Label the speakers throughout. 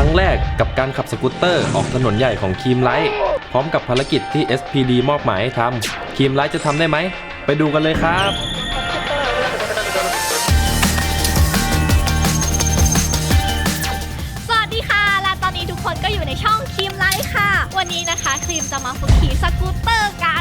Speaker 1: รั้งแรกกับการขับสกูตเตอร์ออกถนนใหญ่ของครีมไลท์พร้อมกับภารกิจที่ SPD มอบหมายให้ทำครีมไลท์จะทำได้ไหมไปดูกันเลยครับ
Speaker 2: สวัสดีค่ะและตอนนี้ทุกคนก็อยู่ในช่องครีมไลท์ค่ะวันนี้นะคะครีมจะมาฝึกขี่สกูตเตอร์กัน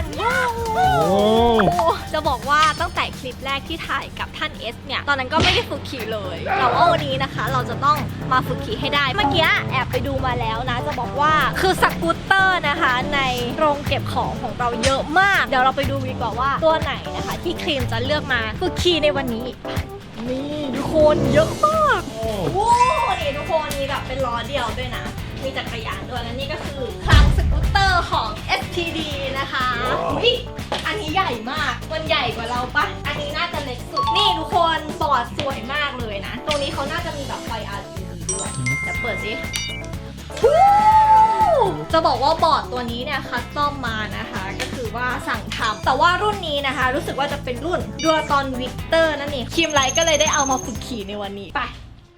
Speaker 2: จะบอกว่าตั้งแต่คลิปแรกที่ถ่ายกับท่านเอสเนี่ยตอนนั้นก็ไม่ได้ฝึกขี่เลยแต่ว่าวันนี้นะคะเราจะต้องมาฝึกขี่ให้ได้เมื่อกี้แอบไปดูมาแล้วนะจะบอกว่าคือสกูตเตอร์นะคะในโรงเก็บของเราเยอะมากเดี๋ยวเราไปดูดีกว่าว่าตัวไหนนะคะที่ครีมจะเลือกมาฝึกขี่ในวันนี้นี่ทุกคนเยอะมากโอ้นี่ทุกคนมีแบบเป็นล้อเดียวด้วยนะมีจักรยานด้วยและนี่ก็คือคลังสกูตเตอร์ของ SPD นะคะอุ๊ยอันนี้ใหญ่มากมันใหญ่กว่าเราปะอันนี้น่าจะเล็กสุดนี่ทุกคนบอร์ดสวยมากเลยนะตรงนี้เขาน่าจะมีแบบไฟ RGB ด้วยแต่เปิดสิจะบอกว่าบอร์ดตัวนี้เนี่ยคัสตอมมานะคะก็คือว่าสั่งทำแต่ว่ารุ่นนี้นะคะรู้สึกว่าจะเป็นรุ่นดัวตอนวิกเตอร์นั่นเองครีมไลท์ก็เลยได้เอามาฝึกขี่ในวันนี้ไป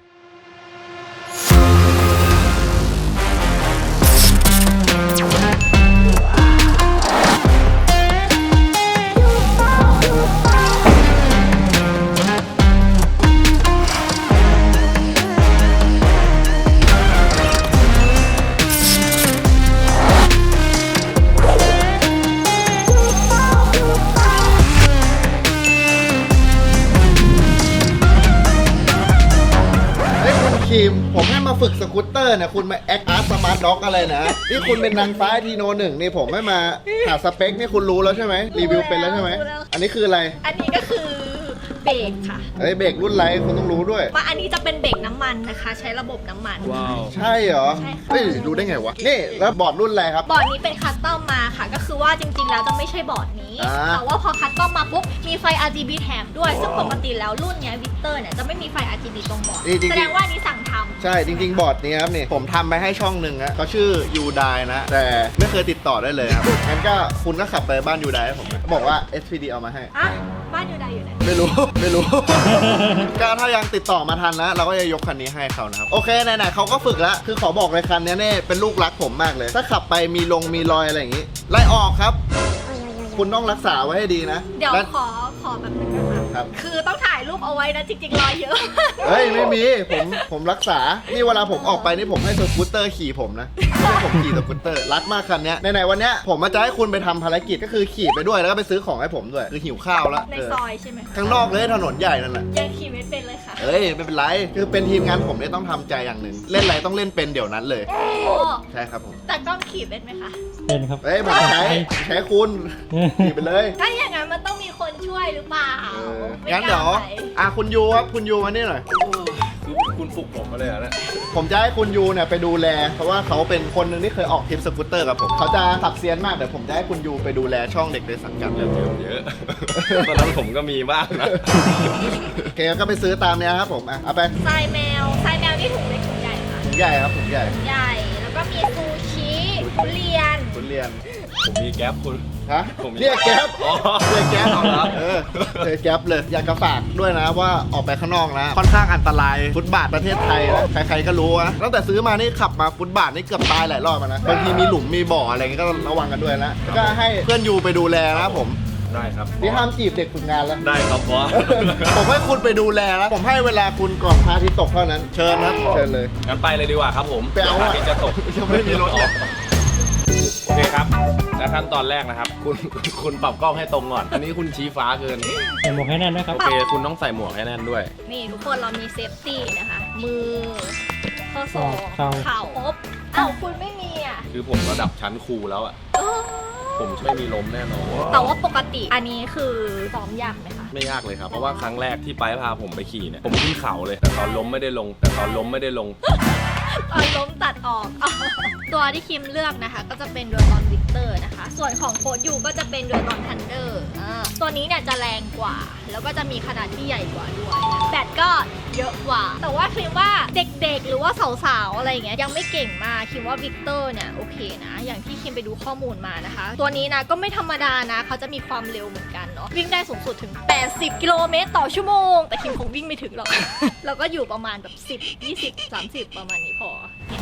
Speaker 3: ผมให้มาฝึกสกูตเตอร์เนี่ยคุณมาแอคอาร์ตสมาร์ทด็อกอะไรนะนี่คุณเป็นนางฟ้าทีโนหนึ่งนี่ผมให้มาหาสเปคนี่คุณรู้แล้วใช่ไหมรีวิวเป็นแล้วใช่ไหมอันนี้คืออะไร
Speaker 2: อันนี้ก็คือเบรกค่ะ
Speaker 3: เฮ้ยเบรกรุ่นไรคุณต้องรู้ด้วย
Speaker 2: ว่าอันนี้จะเป็นเบรกน้ำมันนะคะใช้ระบบน้ำมัน
Speaker 1: ว้าว
Speaker 3: ใช่เหรอ
Speaker 2: ใช่ค่ะ
Speaker 3: เฮ้ยรู้ได้ไงวะนี่แล้วบอร์ดรุ่นอะไรครับ
Speaker 2: บอร์ดนี้เป็นคัสตอมมาค่ะก็คือว่าจริงๆแล้วจะไม่ใช่บอร์ดนี้แต่ว่าพอคัสตอมมาปุ๊บมีไฟ RGB แถมด้วยซึ่งปกติแล้วรุ่นเนี้ยวิกเตอร์เนี่ยจะไม่มีไฟ RGB ตรงบอร์ดแสดงว่านี้สั่งทำ
Speaker 3: ใช่จริงๆบอร์ดนี้ครับนี่ผมทำไปให้ช่องหนึ่งนะเขาชื่อยูไดนะแต่ไม่เคยติดต่อได้เลยครับงั้นก็คุณก็ขับไปบ้านยูไดให้ผมบอกว่า SPD เอามาให้
Speaker 2: อ่ะบ้านยูไดอยู่ไหน
Speaker 3: ไม่รู้ก็ถ้ายังติดต่อมาทันนะเราก็จะยกคันนี้ให้เขานะครับโอเคไหนๆเขาก็ฝึกแล้วคือขอบอกเลยคันนี้เนี่ยเป็นลูกรักผมมากเลยถ้าขับไปมีรอยอะไรอย่างงี้ไล่ออกครับคุณต้องรักษาไว้ให้ดีนะ
Speaker 2: เดี๋ยวขอแบบนึงนะคะคือต้องถ่ายรูปเอาไว้นะจริงๆรอยเยอะ
Speaker 3: เฮ้ยไม่มีผมรักษานี่เวลาผมออกไปนี่ผมให้สกูตเตอร์ขี่ผมนะไม่ผมขี่สกูตเตอร์รักมากคันนี้ไหนๆวันเนี้ยผมมาจะให้คุณไปทำภารกิจก็คือขี่ไปด้วยแล้วก็ไปซื้อของให้ผมด้วยคือหิวข้าวแล้ว
Speaker 2: ในซอยใช่ไหม
Speaker 3: ข้างนอกเลยถนนใหญ่นั่นแหละ
Speaker 2: ยังขี่ไม่เป็นเลยค่ะ
Speaker 3: เฮ้ยไม่เป็นไรคือเป็นทีมงานผมเนี่ยต้องทำใจอย่างหนึ่งเล่นอะไรต้องเล่นเป็นเดี๋ยวนั้นเลยใช่ครับผม
Speaker 2: แต่กล้องขี่เป็นไหมคะ
Speaker 4: เป็นครับ
Speaker 3: เฮ้ยผมใช้คุณขี่ไปเลย
Speaker 2: ถ้าอย่างนั้นมันต้องมีคนช่วยหรือเปล่า
Speaker 3: งั้นเดี๋ยวคุณยูครับคุณยูมานี่หน่อย
Speaker 1: คุณฝึกผมมาเลยนะ
Speaker 3: ผมจะให้คุณยูเนี่ยไปดูแลเพราะว่าเขาเป็นคนหนึ่งที่เคยออกทริปสกูตเตอร์กับผมเขาจะขับเซียนมากเดี๋ยวผมจะให้คุณยูไปดูแลช่องเด็กในสังกัด
Speaker 1: เยอะตอนนั้นผมก็มีบ้างนะ
Speaker 3: โอเคก็ไปซื้อตามเนี้ยครับผมเอาไป
Speaker 2: ทรายแมวนี่ถุงเล็กถุงใหญ่ค่ะ
Speaker 3: ถุงใหญ่ครับถุงใหญ่
Speaker 2: แล้วก็มีซูชิทุเรียน
Speaker 1: ผมมีแก๊ปคุณ
Speaker 3: ฮะเรียกแก๊ปเรียกแก๊ปเอาละเรียกแก๊ปเลยอยากจะฝากด้วยนะว่าออกไปข้างนอกนะค่อนข้างอันตรายฟุตบาทประเทศไทยนะใครๆก็รู้นะตั้งแต่ซื้อมานี่ขับมาฟุตบาทนี่เกือบตายหลายรอบนะบางทีมีหลุมมีบ่ออะไรเงี้ยก็ระวังกันด้วยนะก็ให้เพื่อนยูไปดูแลนะผม
Speaker 1: ได้ครับ
Speaker 3: นี่ห้ามจีบเด็กฝึกงานแล้ว
Speaker 1: ได้ครับบอส
Speaker 3: ผมให้คุณไปดูแลแล้วผมให้เวลาคุณก่อนพระอาทิตย์ตกเท่านั้นเชิญนะเชิญเลย
Speaker 1: งั้นไปเลยดีกว่าครับผม
Speaker 3: ไปเอาพระอาทิตย์จะตกยังไม่มีรถ
Speaker 1: โอเคครับและขั้นตอนแรกนะครับคุณปรับกล้องให้ตรงก่อนอันนี้คุณชี้ฟ้าเกิน
Speaker 4: ใส่หมวกให้แน่นนะครับ
Speaker 1: โอเคคุณต้องใส่หมวกให้แน่นด้วย
Speaker 2: นี่ทุกคนเรามีเซฟตี้นะคะมือข้อศอกเข่าคุณไม่มี
Speaker 1: คือผมระดับชั้นครูแล้วผมไม่มีล้มแน่นอน
Speaker 2: แต่ว่าปกติอันนี้คือซ้อมยากไหมคะ
Speaker 1: ไม่ยากเลยครับเพราะว่าครั้งแรกที่ไปพาผมไปขี่เนี่ยผมขึ้นเขาเลยแต่ตอนล้มไม่ได้ลงตอนล้ม
Speaker 2: ตัดออกตัวที่คิมเลือกนะคะก็จะเป็นดัวตอนวิกเตอร์นะคะส่วนของโค้ดยูก็จะเป็นดัวตอนทันเดอร์ตัวนี้เนี่ยจะแรงกว่าแล้วก็จะมีขนาดที่ใหญ่กว่าด้วยแบตก็เยอะกว่าแต่ว่าคิมว่าเด็กๆหรือว่าสาวๆอะไรอย่างเงี้ยยังไม่เก่งมากคิมว่าวิกเตอร์เนี่ยโอเคนะอย่างที่คิมไปดูข้อมูลมานะคะตัวนี้นะก็ไม่ธรรมดานะเขาจะมีความเร็วเหมือนกันเนาะวิ่งได้สูงสุดถึง80กิโลเมตรต่อชั่วโมงแต่คิมคงวิ่งไม่ถึงหรอกเราก็อยู่ประมาณแบบ10 20 30ประมาณนี้พอ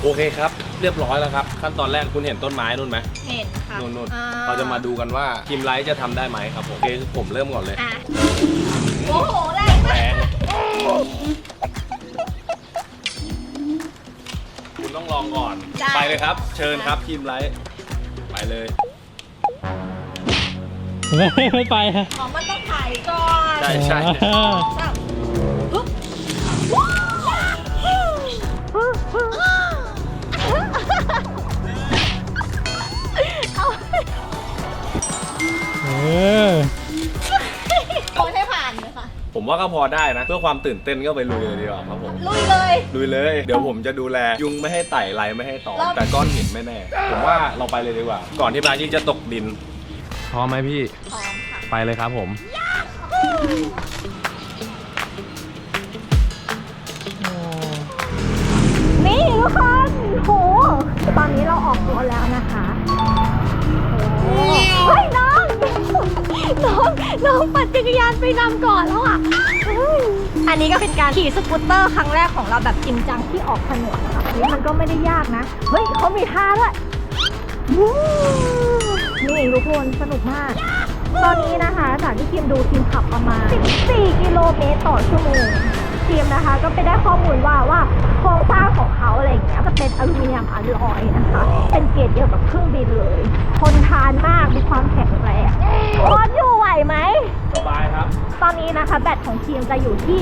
Speaker 1: โอเคครับ เรียบร้อยแล้วครับ ขั้นตอนแรกคุณเห็นต้นไม้นู่นไหม
Speaker 2: เห็นค่ะ
Speaker 1: นู่น
Speaker 2: อ่
Speaker 1: เราจะมาดูกันว่าทีมไลท์จะทำได้ไหมครับผมโอเคผมเริ่มก่อนเลย
Speaker 2: อ่ะโอ้โหแรงมาก
Speaker 1: คุณต้องลองก่อน ไปเลยครับ เชิญครับทีมไลท์ไปเลย
Speaker 4: ไม่ไปฮะ
Speaker 2: อ๋อมันต้องถ่ายก่อน
Speaker 1: ใช่ใช่
Speaker 2: แบบปุ๊บเอา
Speaker 4: เออ
Speaker 2: โอนให้ผ่านเลยค่ะ
Speaker 1: ผมว่าก็พอได้นะ เพื่อความตื่นเต้นก็ไปลุยเลยดีกว่าครับผม
Speaker 2: ลุยเลย
Speaker 1: ลุยเลย เดี๋ยวผมจะดูแลยุงไม่ให้ไต่ไรไม่ให้ตอม
Speaker 2: รอบ
Speaker 1: แต่ก้อนหินไม่แน่ ผมว่าเราไปเลยดีกว่า ก่อนที่ปลายิ่งจะตกดินพร้อมไหมพี่
Speaker 2: พร้อมค่ะ
Speaker 1: ไปเลยครับผม
Speaker 2: นี่ทุกคนโหตอนนี้เราออกตัวแล้วนะคะโอ้เฮ้ยน้องน้องปั่นจักรยานไปนำก่อนแล้วอ่ะเฮ้ยอันนี้ก็เป็นการขี่สกูตเตอร์ครั้งแรกของเราแบบจริงจังที่ออกถนนนะคะนี่มันก็ไม่ได้ยากนะ เฮ้ยเขามีท่าด้วยวู้นี่ทุกคนสนุกมาก ตอนนี้นะคะจากที่ทีมดูทีมขับประมาณ 14 กิโลเมตรต่อชั่วโมง ทีมนะคะก็ไปได้ข้อมูลว่าโครงสร้างของเขาอะไรอย่างเงี้ยจะเป็นอลูมิเนียมอลลอยนะคะ เป็นเกรดเดียวกับเครื่องบินเลย ทนทานมากมีความแข็งแรงโค้ชอยู่ไหวไหม
Speaker 1: สบายครับ
Speaker 2: ตอนนี้นะคะแบตของทีมจะอยู่ที่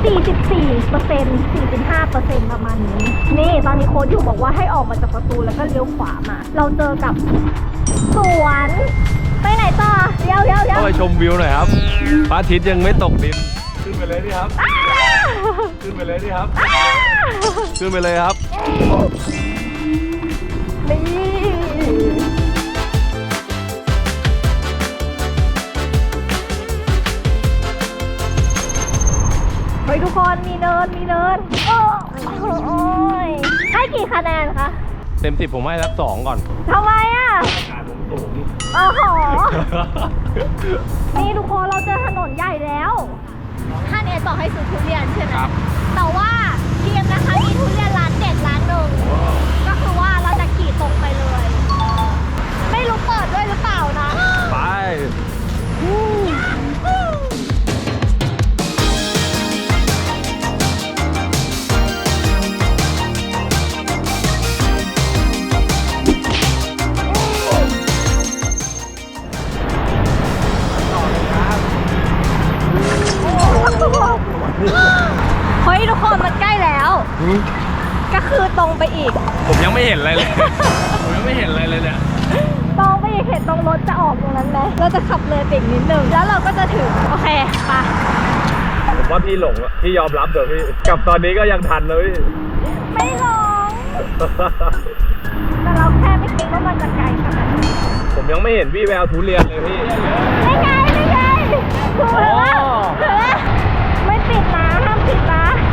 Speaker 2: 44% ประมาณนี้ นี่ตอนนี้โค้ชอยู่บอกว่าให้ออกมาจากประตูแล้วก็เลี้ยวขวามา เราเจอกับสวนไปไหนต่อเดี๋ยว
Speaker 1: ต้องไปชมวิวหน่อยครับพระอาทิตย์ยังไม่ตกดิน ขึ้นไปเลยดิครับ ขึ้นไปเลยดิครับ ขึ้นไปเลยครับ
Speaker 2: นี่เฮ้ยทุกคนมีเนินโอ้ยให้กี่คะแนนคะ
Speaker 1: เต็ม10ผมให้สัก2ก่อน
Speaker 2: ทำไมอ่ะโอ้โห นี่ทุกคนเราเจอถนนใหญ่แล้วท่านเอบอกให้ซื้อทุเรียนใช่ไหม
Speaker 1: ครับ
Speaker 2: แต่ว่าทีมนะคะมีทุเรียนร้านเด็ดร้านหนึ่งก็คือว่าเราจะขี่ตรงไปเลย ไม่รู้เปิดด้วยหรือเปล่านะ
Speaker 1: ไป
Speaker 2: เฮ้ยทุกคนมันใกล้แล้ว ก็คือตรงไปอีก
Speaker 1: ผมยังไม่เห็นอะไรเลย ผมยังไม่เห็นอะไรเลยเนี่ย
Speaker 2: ตรงไปอีกเห็นตรงรถจะออกตรงนั้นไหมเราจะขับเลยไปอีกนิดนึงแล้วเราก็จะถึงโอเคไป
Speaker 1: ผมว่าพี่หลงอะพี่ยอมรับเถอะพี่ กลับตอนนี้ก็ยังทันเลย
Speaker 2: ไม่หลงแต่เราแค่ไม่คิดว่ามันจะไกลขนาดนี้
Speaker 1: ผมยังไม่เห็นพี่แววทุเรียนเลยพี่
Speaker 2: ไม่ไงถูกแล้วถูกแล้วไม่ปิดนะห้ามปิดนะ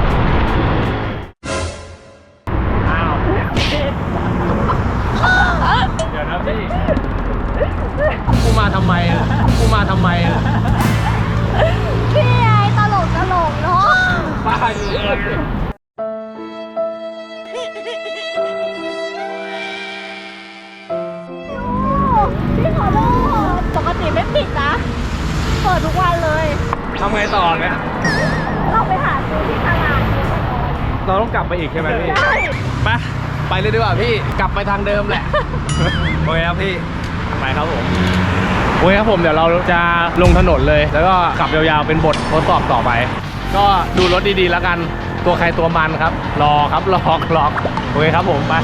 Speaker 1: อ้าว เดี๋ยวนะพี่ กูมาทำไมอ่ะ กูมาทำไมอ่ะ
Speaker 2: พี่ไอ้ตลกเนาะ
Speaker 1: บ้าอยู่เลย
Speaker 2: พี่ขอโทษปกติไม่ปิดนะเปิดทุกวันเลย
Speaker 1: ทำไงต่อเนี่ย
Speaker 2: เราไปหาซื้อที่ตลาด
Speaker 1: เราต้องกลับไปอีกใช่ไหมพี่
Speaker 2: ใช่
Speaker 1: ไปเลยดีกว่าพี่ กลับไปทางเดิมแหละ โอเคครับพี่ ไปครับผม โอเคครับผมเดี๋ยวเราจะลงถนนเลย แล้วก็ขับยาวๆเป็นบททดสอบต่อไป ก็ดูรถดีๆแล้วกัน ตัวใครตัวมันครับ รอครับรอโอเคครับผมไป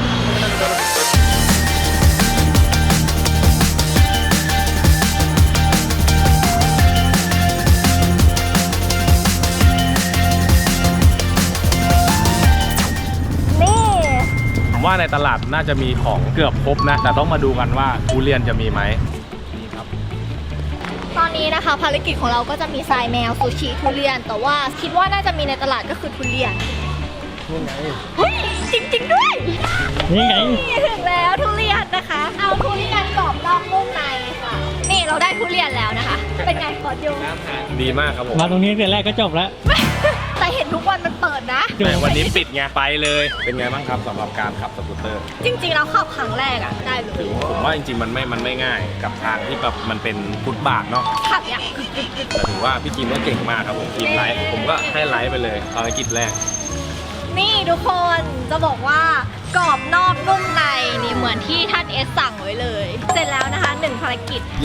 Speaker 2: นี่
Speaker 1: ผมว่าในตลาดน่าจะมีของเกือบครบนะ แต่ต้องมาดูกันว่าทุเรียนจะมีไหมนี่ครับ
Speaker 2: ตอนนี้นะคะภารกิจของเราก็จะมีทรายแมวซูชิทุเรียน แต่ว่าคิดว่าน่าจะมีในตลาดก็คือทุเรียน
Speaker 1: นี่ไง
Speaker 2: เฮ้ยจริงๆด้วย
Speaker 4: นี่ไง
Speaker 2: นี่ถึงแล้วทุเรียนนะคะ เอาทุเรียนกรอบนอกนุ่มในค่ะ นี่เราได้ทุเรียนแล้วนะคะ เป็นไงขอดู
Speaker 1: ดีมากครับผม
Speaker 4: มาตรงนี้แต่แรกก็จบแล้ว
Speaker 2: แต่เห็นทุกกวันมันเปิดนะ
Speaker 1: แต่วันนี้ปิดไงไปเลย เป็นไงบ้างครับสำหรับการขับสกูตเตอร์
Speaker 2: จริงๆเราขับครั้งแรกอะได้เลย
Speaker 1: ผมว่าจริงๆมันไม่ง่ายกับทางที่แบบมันเป็นฟุตบาทเนาะ
Speaker 2: ขับอย่างกึก
Speaker 1: แต่ถือว่าพี่กิมก็เก่งมากครับผมทีมไลฟ์ผมก็ให้ไลฟ์ไปเลยภารกิจแรก
Speaker 2: นี่ทุกคนจะบอกว่ากรอบนอกนุ่มในนี่เหมือนที่ท่านเอสสั่งไว้เลย เสร็จแล้วนะคะ1ภารกิจ
Speaker 1: เย้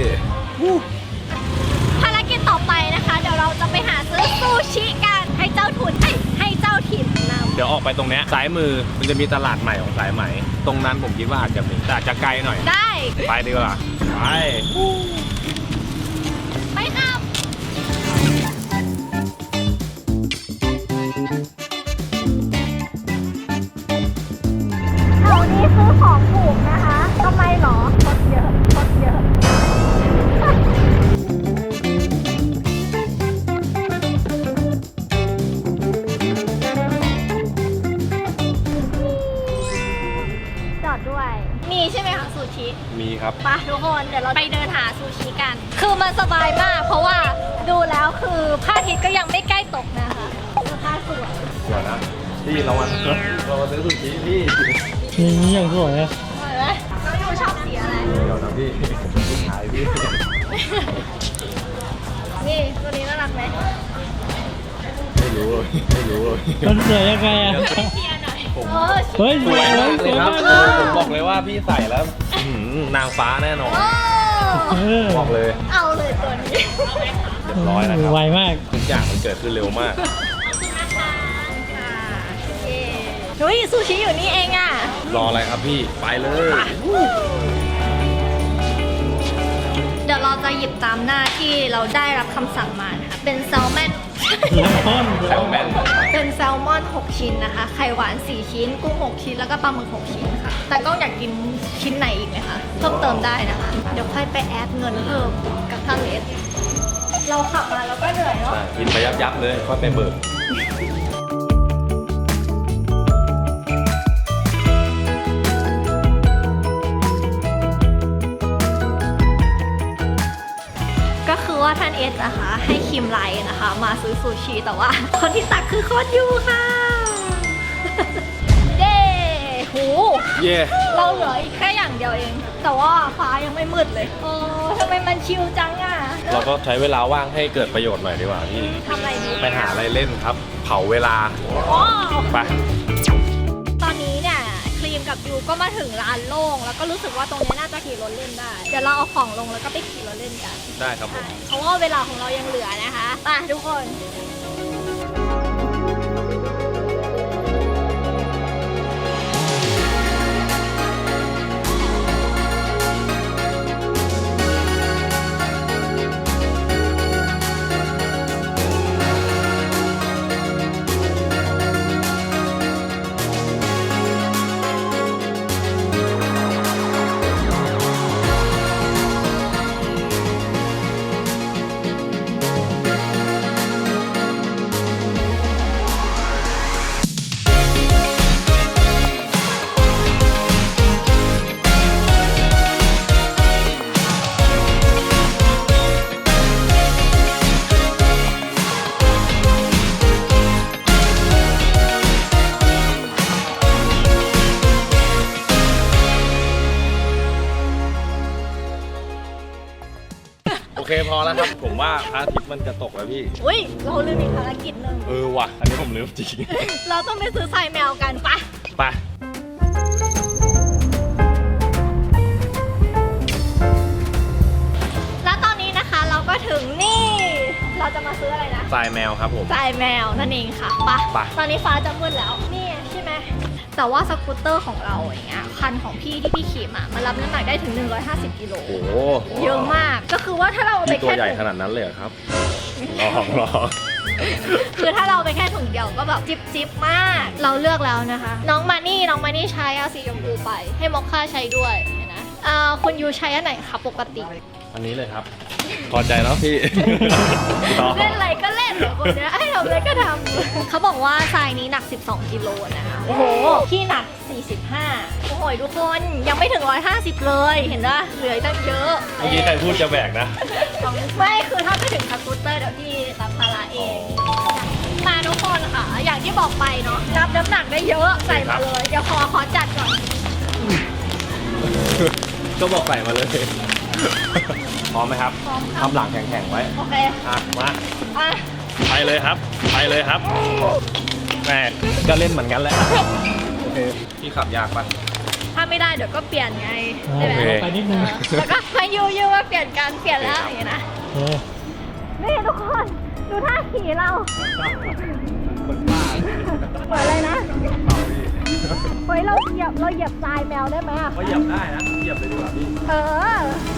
Speaker 2: ภารกิจต่อไปนะคะ เดี๋ยวเราจะไปหาซื้อซูชิกันให้เจ้าทุนให้เจ้าถิ่นนำ
Speaker 1: เดี๋ยวออกไปตรงเนี้ยซ้ายมือมันจะมีตลาดใหม่ของสายไหม ตรงนั้นผมคิดว่าอาจจะมีแต่อาจจะไกลหน่อย
Speaker 2: ได้
Speaker 1: ไปดีกว่าไป
Speaker 2: ไปครับแถวนี้ซื้อของถูกนะคะทำไมหรอรถเยอะรถเยอะ จอดด้วย มีใช่ไหมคะซูชิ
Speaker 1: มีครับ
Speaker 2: ไปทุกคนเดี๋ยวเราไปเดินหาซูชิกัน คือมันสบายมาก เพราะว่าดูแล้วคือพระอาทิตย์ก็ยังไม่ใกล้ตกนะคะคือผ้าสวย
Speaker 1: สวยนะพี่เรามาซื้อสุกี้พี่
Speaker 4: นี่อย่างสวยอะ
Speaker 2: สวยไหมน้องยูชอบสีอะไร
Speaker 1: เดี๋ยวนะพี่ขายพี่
Speaker 2: นี่ตัวนี้น่ารักไหม
Speaker 1: ไม่รู้เลยไม่รู้เลย
Speaker 4: มันสวยยังไงอะ
Speaker 2: เชียร์หน่อย
Speaker 1: ผม
Speaker 4: เฮ้ย
Speaker 1: สวยมาก
Speaker 4: ส
Speaker 1: เล
Speaker 4: วย ย
Speaker 1: ครับ
Speaker 4: มากเลย
Speaker 1: ผมบอกเลยว่าพี่ใส่แล้วนางฟ้าแน่นอน
Speaker 2: โอ้
Speaker 4: เออ
Speaker 1: บอกเลย
Speaker 2: เอาเลยตัวนี้
Speaker 1: เรียบร้อยแล้วครับ
Speaker 4: ไวมาก
Speaker 1: ทุกอย่างมันเกิดขึ้นเร็วมาก
Speaker 2: เย้เฮ้ยซูชิอยู่นี่เองอ่ะ
Speaker 1: รออะไรครับพี่ไปเลย
Speaker 2: เดี๋ยวเราจะหยิบตามหน้าที่เราได้รับคำสั่งมานะคะเป็นแซลมอน
Speaker 4: แล้วต้น
Speaker 1: แซลแมน
Speaker 2: เป็นแซลมอน 6 ชิ้นนะคะ ไข่หวาน 4 ชิ้น กุ้ง 6 ชิ้น แล้วก็ปลาหมึก 6 ชิ้นค่ะ แต่ก็อยากกินชิ้นไหนอีกไหมคะ เพิ่มเติมได้นะคะ เดี๋ยวค่อยไปแอดเงินเพิ่มกับท่านเลสเราขับมาแล้วก็เหนื่อยเนาะ
Speaker 1: กินไปยับเลยค่อยไปเบิก
Speaker 2: ก็คือว่าท่านเอสนะคะให้คิมไลน์นะคะ มาซื้อซูชิแต่ว่า คนที่ตักคือโคตรยูค่ะ เย้หู
Speaker 1: เย่
Speaker 2: เราเหลืออีกแค่อย่างเดียวเอง แต่ว่าฟ้ายังไม่มืดเลยโอ้ทำไมมันชิลจังอ่ะ
Speaker 1: เราก็ใช้เวลาว่างให้เกิดประโยชน์หน่อยดีกว่าพี่
Speaker 2: ทำอะไรดี
Speaker 1: ไปหาอะไรเล่นครับ เผาเวลา
Speaker 2: ว้าว
Speaker 1: ไป
Speaker 2: ตอนนี้เนี่ยครีมกับยูก็มาถึงร้านโล่งแล้วก็รู้สึกว่าตรงนี้น่าจะขี่รถเล่นได้ เดี๋ยวเราเอาของลงแล้วก็ไปขี่รถเล่นกัน
Speaker 1: ได้ครับผม
Speaker 2: ใช่เพราะว่าเวลาของเรายังเหลือนะคะไปทุกคน
Speaker 1: โอเคพอแล้วครับ ผมว่าพระอาทิตย์มันจะตกแล้วพี่
Speaker 2: อุ้ยเราลืมอีกภารกิจหนึ่ง
Speaker 1: ว่ะ อันนี้ผมลืมจริง
Speaker 2: เราต้องไปซื้อทรายแมวกันปะ
Speaker 1: ไป
Speaker 2: แล้วตอนนี้นะคะเราก็ถึงนี่ เราจะมาซื้ออะไรนะ
Speaker 1: ทรายแมวครับผม
Speaker 2: ทรายแมวนั่นเองค่ะปะ
Speaker 1: ไป
Speaker 2: ตอนนี้ฟ้าจะมืดแล้วนี่ใช่ไหมแต่ว่าสกูตเตอร์ของเราอย่างเงี้ยคันของพี่ที่พี่ขี่มามันรับน้ำหนักได้ถึง 150 กิโล
Speaker 1: โอ้โห
Speaker 2: เยอะมากก็คือว่าถ้าเราเอาไป
Speaker 1: พี่ตัว
Speaker 2: แค่
Speaker 1: ใหญ่
Speaker 2: ถุง
Speaker 1: ขนาดนั้นเลยเหรอครับลอง
Speaker 2: คือถ้าเราไปแค่ถุงเดียวก็แบบจิบมาก เราเลือกแล้วนะคะ น้องมานี่ใช้เอาสีชมพูไป ให้มอคค่าใช้ด้วยเห็นนะคุณยูใช้อันไหนคะปกติ
Speaker 1: อันนี้เลยครับ พอใจแล้วพี่
Speaker 2: เล่นอะไรก็เล่นเหรอคนเนี้ยให้ทำอะไรก็ทำ เขาบอกว่าทรายนี้หนัก 12 กิโลนะคะโอ้โหพี่หนัก 45 โอ้โหทุกคนยังไม่ถึง 150 เลย เห็นปะเหลืออีกตั้งเยอะ
Speaker 1: เมื่อกี้ใครพูดจะแบกนะ
Speaker 2: ไม่คือถ้าไปถึงสกูตเตอร์เดี๋ยวพี่รับภาระเอง มาทุกทุกคนค่ะ อย่างที่บอกไปเนาะรับน้ำหนักได้เยอะใส่มาเลย เดี๋ยวขอจัดก่อน
Speaker 1: ก็บอกใส่มาเลย พร้อมไหมครับ
Speaker 2: พร้อมครับ
Speaker 1: ทำหลังแข็งๆไว้
Speaker 2: โอเค
Speaker 1: อ่ะ มา
Speaker 2: อ่ะ
Speaker 1: ไปเลยครับ ไปเลยครับแม่ก็เล่นเหมือนกันแหละ โอเค พี่ขับยากปะ
Speaker 2: ถ้าไม่ได้เดี๋ยวก็เปลี่ยนไง
Speaker 4: อ่า
Speaker 2: ใช่ไหม
Speaker 1: โอเค
Speaker 4: ไปนิดนึง
Speaker 2: แล้วก็มายูว่าเปลี่ยนกันเปลี่ยนแล้วอย่างนี้นะ
Speaker 4: เออ
Speaker 2: นี่ทุกคนดูท่าขี่เรา
Speaker 1: คนบ้า
Speaker 2: เหมือนอะไรนะเฮ้ยเราเหยียบทรายแมวได้ไหมอ่ะ
Speaker 1: ก็เหยียบได้นะ เหยียบเลยดีกว่าพี่
Speaker 2: เออ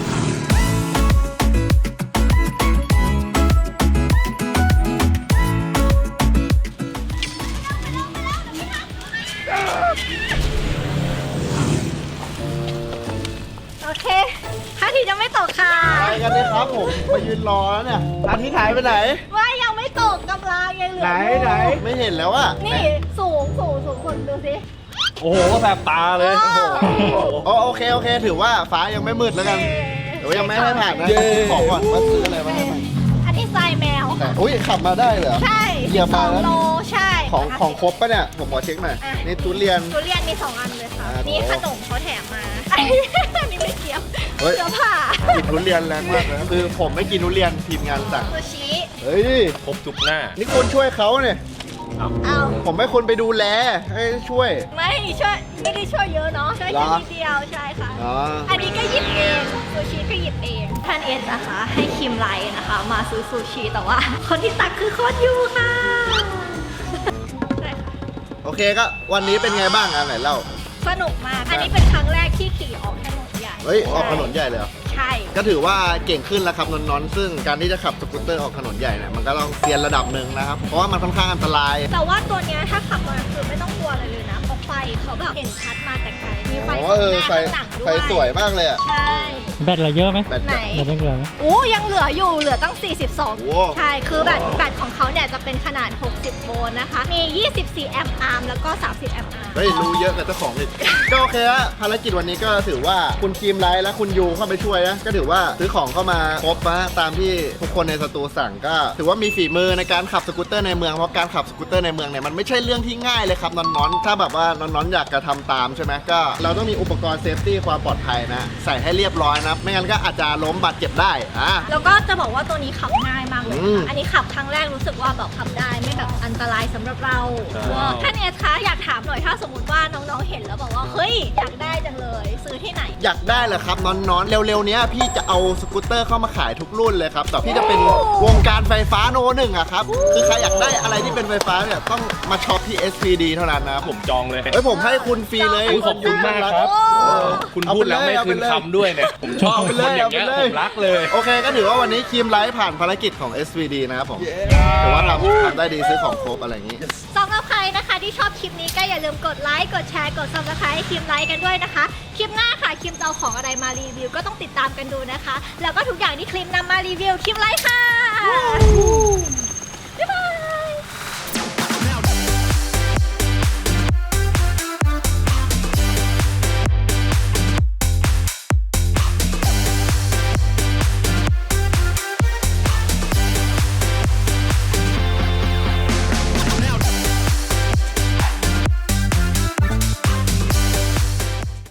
Speaker 2: โอเคท่าทีจะไม่ตกค่ะ
Speaker 3: ไปกันเลยครับผมมายืนรอแล้วเนี่ยอาทิตย์หายไปไหน
Speaker 2: ว่ายังไม่ตกกำลังยังเหลือ
Speaker 3: ไหน
Speaker 2: อยู่
Speaker 3: ไหนไม่เห็นแล้วอะ
Speaker 2: นี่สูงคนดูสิ
Speaker 1: โอ้โหแสบตาเลย
Speaker 2: โอ้โห
Speaker 3: โอเคถือว่าฟ้ายังไม่มืดแล้วกันเดี๋ยวยังไม่ให้ผ่านนะ
Speaker 1: เย้
Speaker 3: ขอก่อนว่าซื้ออะไรมาให้ผ่าน
Speaker 2: อันนี้ทรายแมว
Speaker 3: แต่อุ้ยขับมาได้เหรอ
Speaker 2: ใช่
Speaker 3: เหยียบมาแล้ว
Speaker 2: 2 โลใช่
Speaker 3: ของครบปะเนี่ยผมขอเช็คหน่อย
Speaker 2: อ่ะ
Speaker 3: นี่ทุเรียน
Speaker 2: ทุเรียนมี 2 อันเลยค่ะ
Speaker 3: อ่านี่
Speaker 2: นี่ขนมเขาแถมมา อันนี้ไม่เกี่ยว
Speaker 3: เฮ้ย
Speaker 2: เสื้อผ้า
Speaker 3: กินทุเรียนแรงมากเลยนะคือผมไม่กินทุเรียนทีมงานสั่ง
Speaker 2: ซูชิ
Speaker 3: เฮ้ย
Speaker 1: ครบทุกหน้า
Speaker 3: นี่คนช่วยเขาเนี่ย
Speaker 2: เอา
Speaker 3: ผมให้คนไปดูแลให้ช่วย
Speaker 2: ไม่ได้ช่วยเยอะเนาะช่วย
Speaker 3: เหร
Speaker 2: แค่
Speaker 3: อ
Speaker 2: นิดเดียวใช่ค่ะ
Speaker 3: อ๋อ
Speaker 2: อันนี้ก็หยิบเองซูชิก็หยิบเองท่านเอสนะคะ ให้คิมไลน์นะคะ มาซื้อซูชิแต่ว่า คนที่ตักคือโคตรยูค่ะใช่ค่ะ
Speaker 3: โอเคก็วันนี้เป็นไงบ้างอ่ะไหนเล่า
Speaker 2: สนุกมาก อันนี้เป็นครั้งแรกที่ขี่ออกถนนใหญ่
Speaker 3: เฮ้ยออกถนนใหญ่เลยเหรอ
Speaker 2: ใช่
Speaker 3: ก็ถือว่าเก่งขึ้นแล้วครับนนท์ซึ่งการที่จะขับสกูตเตอร์ออกถนนใหญ่เนี่ยมันก็ต้องเซียนระดับหนึ่งนะครับ เพราะว่ามันค่อนข้างอันตราย
Speaker 2: แต่ว่าตัวเนี้ยถ้าขับมาคือไม่ต้องกลัวอะไรเลยนะเพราะไฟเขาแบบเห็นชัดมาแต่ไกลมีไฟ
Speaker 3: อ๋อ
Speaker 2: ข้าง
Speaker 3: เอ
Speaker 2: ห
Speaker 3: อ
Speaker 2: น้า
Speaker 3: ไฟ
Speaker 2: ข้างหลังด้วย
Speaker 3: ไฟสวยมากเลยอ่ะ
Speaker 2: ใช่
Speaker 4: แบตเราเยอะไหม
Speaker 3: แบต
Speaker 2: ไหน
Speaker 4: แบตยังเหลือไหม
Speaker 2: โอ้ยังเหลืออยู่เหลือตั้ง
Speaker 3: โอ้
Speaker 2: 42 ใช่ คือแบตของเขาเนี่ยจะเป็นขนาด 60 โวลต์นะคะ มี 24 แอมป์อาร์มแล้วก็ 30 แอมป์อาร์ม
Speaker 3: เฮ้ยรู้เยอะกับเจ้าของอีก ก็โอเคฮะภารกิจวันนี้ก็ถือว่าคุณทีมไลท์และคุณยูเข้าไปช่วยนะก็ถือว่าซื้อของเข้ามาครบนะตามที่ทุกคนในสตูสั่งก็ถือว่ามีฝีมือในการขับสกูตเตอร์ในเมืองเพราะการขับสกูตเตอร์ในเมืองเนี่ยมันไม่ใช่เรื่องที่ง่ายเลยครับนอนๆถ้าแบบว่านอนๆอยากจะทำตามใช่ไหมก็เราต้องมีอุปกรณ์เซฟตี้ความปลอดภัยนะใส่ให้เรียบร้อยนะไม่งั้นก็อาจจะล้มบาดเจ็บได้อ่ะ
Speaker 2: แล้วก็จะบอกว่าตัวนี้ขับง่ายมากเลย
Speaker 3: อืม
Speaker 2: ค่ะอันนี้ขับครั้งแรกรู้สึกว่าแบบขับได้ไม่แบบอันตรายสำหรับเรา
Speaker 1: ใช่
Speaker 2: ท่านเอสคะอยากถามหน่อยถ้าสมมติว่าน้องๆเห็นแล้วบอกว่าเฮ้ยอยากได้จังเลยซื้อที่ไหน
Speaker 3: อยากได้เหรอครับนอนๆเร็วๆเนี้ยพี่จะเอาสกูตเตอร์เข้ามาขายทุกรุ่นเลยครับแต่พี่จะเป็นวงการไฟฟ้าโนหนึ่งอะครับคือใครอยากได้อะไรที่เป็นไฟฟ้าเนี่ยต้องมาช็อปที่ SPD เท่านั้นนะครับ
Speaker 1: ผมจองเลย
Speaker 3: เฮ้ยผมให้คุณฟรีเลย
Speaker 1: อุ๊ยขอบคุณมากครับ
Speaker 3: เออ
Speaker 1: คุณพูดแล้วไม่คืนคำด้วยเนี่ย ผมชอบ
Speaker 3: เอาไป
Speaker 1: คน
Speaker 3: เลย
Speaker 1: อย่างเงี้ย
Speaker 3: เอาไปเลย
Speaker 1: ผมรักเลย
Speaker 3: โอเคก็ถือว่าวันนี้คีมไลท์ผ่านภารกิจของ SPD นะครับผมถือว่าทำได้ดีซื้อของครบอะไรอย่างนี้
Speaker 2: สำหรับใครนะคะที่ชอบคลิปนี้ก็อย่าลืมกดไลค์กดแชร์กด subscribe ให้คิมไลค์กันด้วยนะคะ คลิปหน้าค่ะคิมจะเอาของอะไรมารีวิวก็ต้องติดตามกันดูนะคะ แล้วก็ทุกอย่างที่คลิปนำมารีวิวคิมไลค์ค่ะ